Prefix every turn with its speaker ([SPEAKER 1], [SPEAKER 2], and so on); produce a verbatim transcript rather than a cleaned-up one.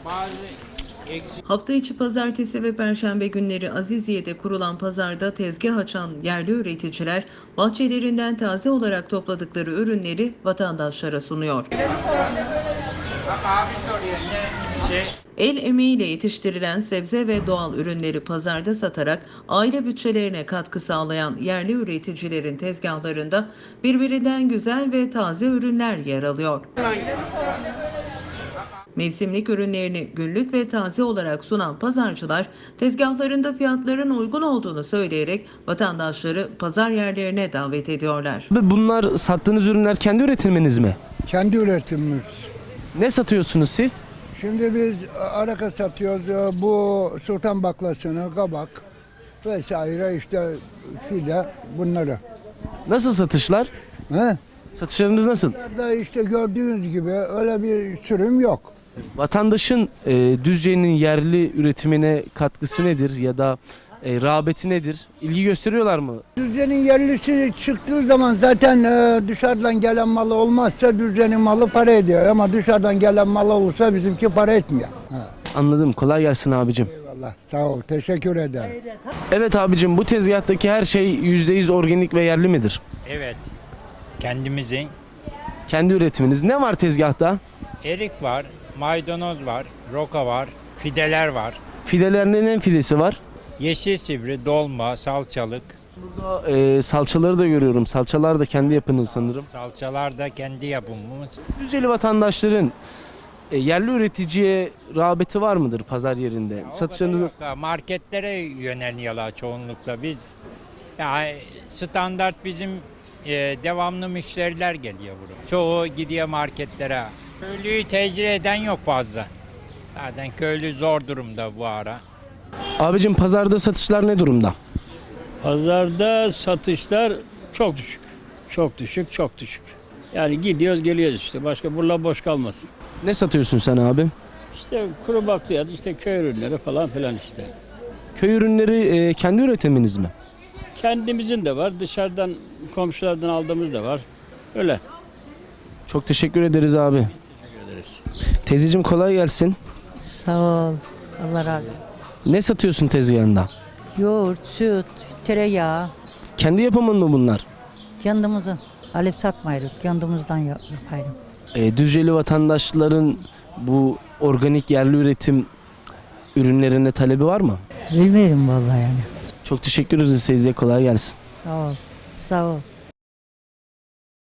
[SPEAKER 1] Hafta içi pazartesi ve perşembe günleri Aziziye'de kurulan pazarda tezgah açan yerli üreticiler bahçelerinden taze olarak topladıkları ürünleri vatandaşlara sunuyor. El emeğiyle yetiştirilen sebze ve doğal ürünleri pazarda satarak aile bütçelerine katkı sağlayan yerli üreticilerin tezgahlarında birbirinden güzel ve taze ürünler yer alıyor. Mevsimlik ürünlerini günlük ve taze olarak sunan pazarcılar tezgahlarında fiyatların uygun olduğunu söyleyerek vatandaşları pazar yerlerine davet ediyorlar.
[SPEAKER 2] Bunlar sattığınız ürünler kendi üretiminiz mi?
[SPEAKER 3] Kendi üretimimiz.
[SPEAKER 2] Ne satıyorsunuz siz?
[SPEAKER 3] Şimdi biz araka satıyoruz. Bu sultan baklasını, kabak vesaire işte fide bunları.
[SPEAKER 2] Nasıl satışlar?
[SPEAKER 3] He?
[SPEAKER 2] Satışlarınız nasıl?
[SPEAKER 3] Da işte gördüğünüz gibi öyle bir sürüm yok.
[SPEAKER 2] Vatandaşın e, Düzce'nin yerli üretimine katkısı nedir ya da e, rağbeti nedir? İlgi gösteriyorlar mı?
[SPEAKER 3] Düzce'nin yerlisi çıktığı zaman zaten e, dışarıdan gelen malı olmazsa Düzce'nin malı para ediyor. Ama dışarıdan gelen malı olursa bizimki para etmiyor. Ha.
[SPEAKER 2] Anladım. Kolay gelsin abicim.
[SPEAKER 3] Eyvallah, sağ ol, teşekkür ederim.
[SPEAKER 2] Evet abicim, bu tezgahtaki her şey yüzde yüz organik ve yerli midir?
[SPEAKER 4] Evet. Kendimizin.
[SPEAKER 2] Kendi üretiminiz. Ne var tezgahta?
[SPEAKER 4] Erik var, maydanoz var, roka var, fideler var.
[SPEAKER 2] Fidelerinin en fidesi var.
[SPEAKER 4] Yeşil sivri, dolma, salçalık.
[SPEAKER 2] Burada e, salçaları da görüyorum. Salçalar da kendi yapınız sanırım.
[SPEAKER 4] Salçalar da kendi yapımımız.
[SPEAKER 2] Düzceli vatandaşların e, yerli üreticiye rağbeti var mıdır pazar yerinde? Satışlarınız nasıl?
[SPEAKER 4] Yok, marketlere yöneliyorlar çoğunlukla. Biz yani standart bizim e, devamlı müşteriler geliyor buraya. Çoğu gidiyor marketlere. Köylüyü tecrübe eden yok fazla. Zaten köylü zor durumda bu ara.
[SPEAKER 2] Abicim, pazarda satışlar ne durumda?
[SPEAKER 5] Pazarda satışlar çok düşük. Çok düşük, çok düşük. Yani gidiyoruz geliyoruz işte. Başka buralar boş kalmasın.
[SPEAKER 2] Ne satıyorsun sen abi?
[SPEAKER 5] İşte kuru bakliyat, işte köy ürünleri falan filan işte.
[SPEAKER 2] Köy ürünleri e, kendi üretiminiz mi?
[SPEAKER 5] Kendimizin de var, dışarıdan komşulardan aldığımız da var. Öyle.
[SPEAKER 2] Çok teşekkür ederiz abi.
[SPEAKER 5] Teşekkür ederiz.
[SPEAKER 2] Teyzeciğim, kolay gelsin.
[SPEAKER 6] Sağ ol. Allah razı olsun.
[SPEAKER 2] Ne satıyorsun tezgahında?
[SPEAKER 6] Yoğurt, süt, tereyağı.
[SPEAKER 2] Kendi yapımın mı bunlar?
[SPEAKER 6] Kendimizin. Alıp satmayırız. Kendimizden yap- yaparız.
[SPEAKER 2] E, Düzceli vatandaşların bu organik yerli üretim ürünlerine talebi var mı?
[SPEAKER 6] Bilmiyorum vallahi yani.
[SPEAKER 2] Çok teşekkür ederiz teyze. Kolay gelsin.
[SPEAKER 6] Sağ ol. Sağ ol.